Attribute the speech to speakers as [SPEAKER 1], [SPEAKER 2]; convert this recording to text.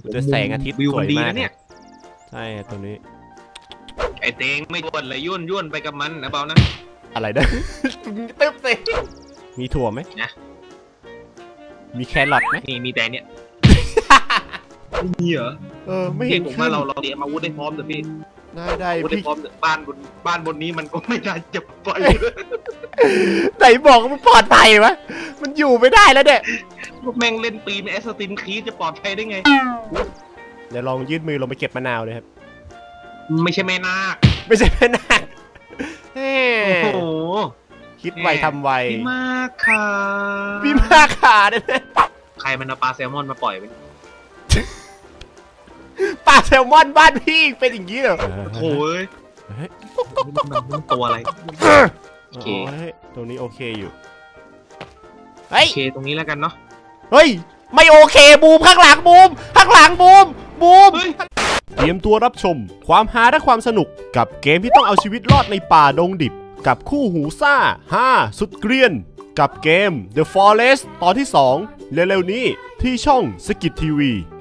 [SPEAKER 1] จะแสงอาทิตย์สวยมากเนี่ยใช่ตัวนี้
[SPEAKER 2] ไอเตงไม่ย่นเลยยุ่นไปกับมันนะเปล่านะ
[SPEAKER 1] อะไรนะตึ๊บเลยมีถั่วไหมนะมีแครอทไหม
[SPEAKER 2] มีแต่เนี่ยมีเหรอ
[SPEAKER 1] ไม่เห็น
[SPEAKER 2] ผมว่าเราเตรียมอาวุธได้พร้อมเถอะพี่
[SPEAKER 1] ได้
[SPEAKER 2] พี่พร้อมบ้านบนนี้มันก็ไม่น่าจะปล่อย
[SPEAKER 1] ไหนบอกมันปลอดภัยวะมันอยู่ไม่ได้แล้วเนี่ย
[SPEAKER 2] แม่งเล่นปีนแอสซัสซินครีดจะปลอดภัยได้ไง
[SPEAKER 1] เดี๋ยวลองยืดมือลงไปเก็บมะนาวเลยครับ
[SPEAKER 2] ไม่ใช่แม่นาค
[SPEAKER 1] ไม่ใช่แม่นาค
[SPEAKER 2] โอ้โห
[SPEAKER 1] คิดไวทำไว
[SPEAKER 2] พี่มากค่ะ
[SPEAKER 1] พี่มากค่ะเนี่ย
[SPEAKER 2] ใครมันเอาปลาแซลมอนมาปล่อยไป
[SPEAKER 1] ปลาแซลมอนบ้านพี่เป็นอย่างนี้เหรอ
[SPEAKER 2] โอ้ยตัวอะไร
[SPEAKER 1] โอเคตรงนี้โอเคอยู่
[SPEAKER 2] โอเคตรงนี้แล้วกันเนาะ
[SPEAKER 1] เฮ้ยไม่โอเคบูมข้างหลังบูมข้างหลังบูมเตรียมตัวรับชมความฮาและความสนุกกับเกมที่ต้องเอาชีวิตรอดในป่าดงดิบกับคู่หูซ่า5สุดเกรียนกับเกม The Forest ตอนที่2เร็วๆนี้ที่ช่องสกิททีวี